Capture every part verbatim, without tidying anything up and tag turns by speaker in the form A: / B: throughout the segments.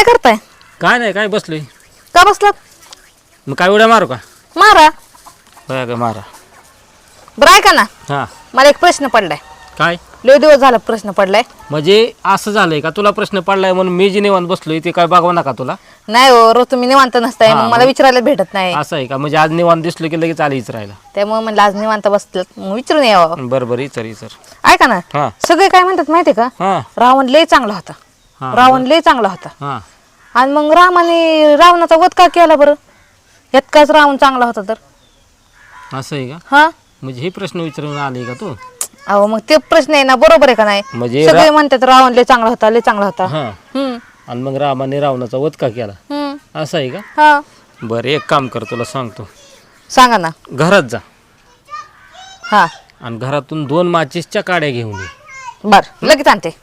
A: काय करताय?
B: काय नाही काय बसलोय.
A: का बसलात?
B: मग काय उड्या मारू का?
A: मारा.
B: होय का मारा.
A: बरं ऐका ना,
B: हां
A: मला एक प्रश्न पडलाय.
B: काय
A: लय दिवस झाला प्रश्न पडलाय.
B: म्हणजे असं झालंय का तुला प्रश्न पडलाय म्हणून मी जी निवांत बसलोय ते काय बघवा नका तुला?
A: नाही हो, रोज तुम्ही निवांत नसताय,
B: हा,
A: मग मला
B: मग-
A: विचारायला भेटत नाही.
B: असं आहे का? म्हणजे आज निवांत दिसलो की लगेच आली विचारायला.
A: त्यामुळे म्हणलं आज निवांत बसलात मग विचारून यावं.
B: बरं बरं विचार विचार.
A: ऐका ना,
B: हां
A: सगळे काय म्हणतात माहितीये का,
B: हां
A: रावण लय चांगला होता.
B: हां
A: रावण लय चांगला होता.
B: हां
A: आणि मग रामाने रावणाचा वध का केला बरं? इतकाच रावण चांगला होता तर?
B: असं आहे का?
A: हा,
B: म्हणजे हे प्रश्न विचारून आले का तू?
A: अहो मग ते प्रश्न आहे ना, बरोबर आहे का नाही?
B: म्हणजे
A: सगळे
B: रा-
A: म्हणतात रावण लय चांगला होता, लय चांगला होता.
B: हां
A: हम्म
B: आणि मग रामाने रावणाचा वध का केला
A: हम्म
B: असं आहे का?
A: हा,
B: बरं एक काम कर तुला सांगतो.
A: सांगा ना.
B: घरात जा
A: हा
B: आणि घरातून दोन माचीसच्या काड्या घेऊन ये.
A: बर, लगेच आणते.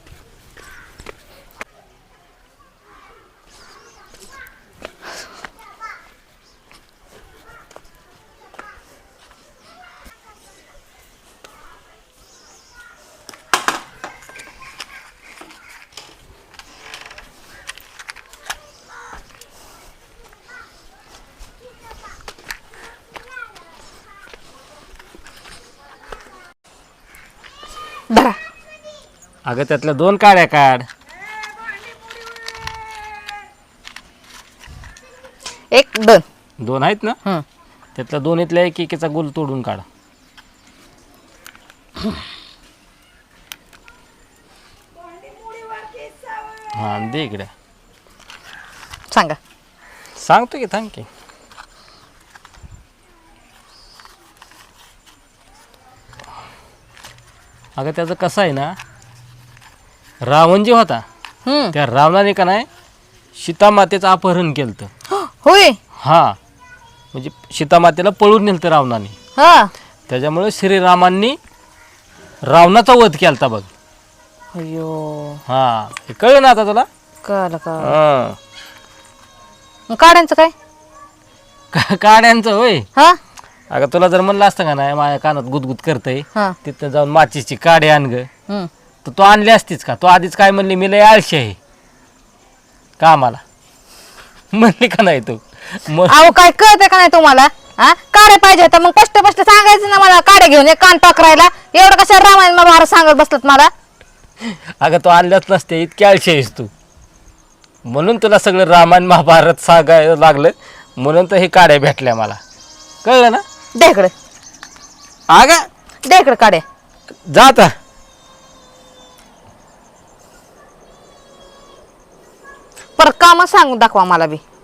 A: धरा.
B: अगं त्यातल्या दोन काड्या काढ.
A: एक दोन.
B: दोन आहेत ना?
A: हम्म
B: त्यातल्या दोन्हीतल्या एक एकेचा गोल तोडून काढ. हा आणि दे इकडे.
A: सांगा.
B: सांगतो की थांब की. अगं त्याचं कसं आहे ना, रावण जे होता
A: हम्म
B: त्या रावणाने का नाही सीतामातेचं अपहरण केलं.
A: होय.
B: हा म्हणजे सीतामातेला पळून नेलं रावणाने.
A: हा,
B: त्याच्यामुळे श्रीरामांनी रावणाचा वध केलता बघ.
A: अयो,
B: हा हे कळलं ना आता तुला?
A: कळलं का?
B: हा.
A: मग काढायचं काय?
B: का- काड्यांचं होय.
A: हा
B: अगं तुला जर म्हणलं असतं का नाही माझ्या कानात गुदगुद करतंय
A: हा
B: तिथं जाऊन माचीची काडी आण ग,
A: हम्म
B: तर तू आणली असतीच का? तू आधीच काय म्हणली मी लय आळशी आहे कामाला म्हणली का नाही तू? मग
A: अहो काय कळतंय का नाही तुम्हाला? हा, काढे पाहिजे तर मग स्पष्ट स्पष्ट सांगायचं ना मला, काढे घेऊन ये कान टाकरायला. एवढं कशा रामायण महाभारत सांगत बसलात मला?
B: अगं तू आणल्याच नसते, इतकी आळशी आहेस तू. म्हणून तुला सगळं रामायण महाभारत सांगायला लागलं, म्हणून तर हे काड्या भेटल्या मला. कळलं ना?
A: दे इकडे,
B: अगं
A: दे इकडे काढे.
B: जा आता.
A: परत काम सांगून दाखवा मला बी.